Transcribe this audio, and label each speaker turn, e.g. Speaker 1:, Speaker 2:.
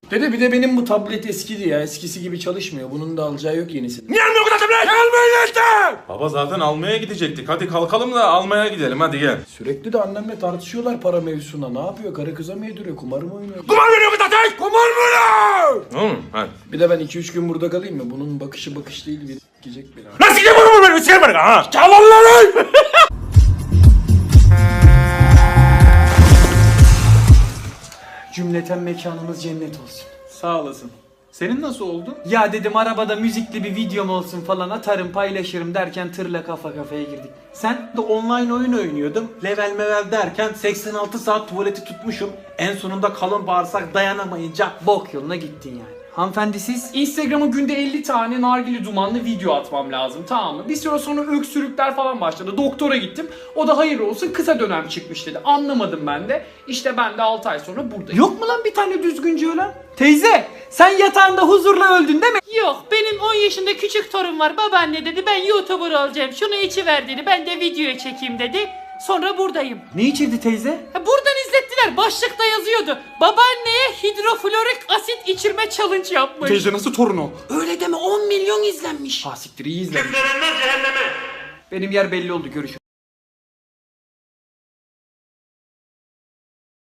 Speaker 1: Dede bir de benim bu tablet eskidi ya. Eskisi gibi çalışmıyor. Bunun da alacağı yok yenisi.
Speaker 2: Niye almıyor bu kadar tablet? Almayın işte! Baba zaten almaya gidecektik. Hadi kalkalım da almaya gidelim hadi gel.
Speaker 1: Sürekli de annemle tartışıyorlar para mevzusunda. Ne yapıyor? Karı kıza mı yediriyor? Kumar mı oynuyor?
Speaker 2: Kumar veriyor bu zaten! Kumar mı lan? Hadi.
Speaker 1: Bir de ben 2-3 gün burada kalayım mı? Bunun bakışı bakış değil. Bir gidecek beni.
Speaker 2: Nasıl gidiyor bu benim? Sikerim beni ha! Çalın lan!
Speaker 3: Cümleten mekanımız cennet olsun.
Speaker 4: Sağ olasın. Senin nasıl oldu?
Speaker 3: Ya dedim arabada müzikli bir videom olsun falan atarım paylaşırım derken tırla kafa kafaya girdik. Sen?
Speaker 4: De online oyun oynuyordum. Level mevel derken 86 saat tuvaleti tutmuşum. En sonunda kalın bağırsak dayanamayınca
Speaker 3: Bok yoluna gittin yani. Hanımefendi siz?
Speaker 5: Instagram'a günde 50 tane nargile dumanlı video atmam lazım, tamam mı? Bir süre sonra öksürükler falan başladı. Doktora gittim. O da hayır olsun kısa dönem çıkmış dedi. Anlamadım ben de. İşte ben de 6 ay sonra buradayım.
Speaker 3: Yok mu lan bir tane düzgünce ölen? Teyze sen yatağında huzurla öldün değil mi?
Speaker 6: Yok, benim 10 yaşında küçük torun var. Babaanne dedi ben YouTuber olacağım. Şunu içiver dedi. Ben de videoya çekeyim dedi. Sonra buradayım.
Speaker 3: Ne içirdi teyze?
Speaker 6: Buradan izlettiler. Başlıkta yazıyordu. Babaanneye hidroflorik asit içirme challenge yapmış.
Speaker 4: teyze nasıl torun o?
Speaker 6: Öyle deme, 10 milyon izlenmiş.
Speaker 3: Ha siktir iyi izlemiş. Benim yer belli oldu görüşürüz.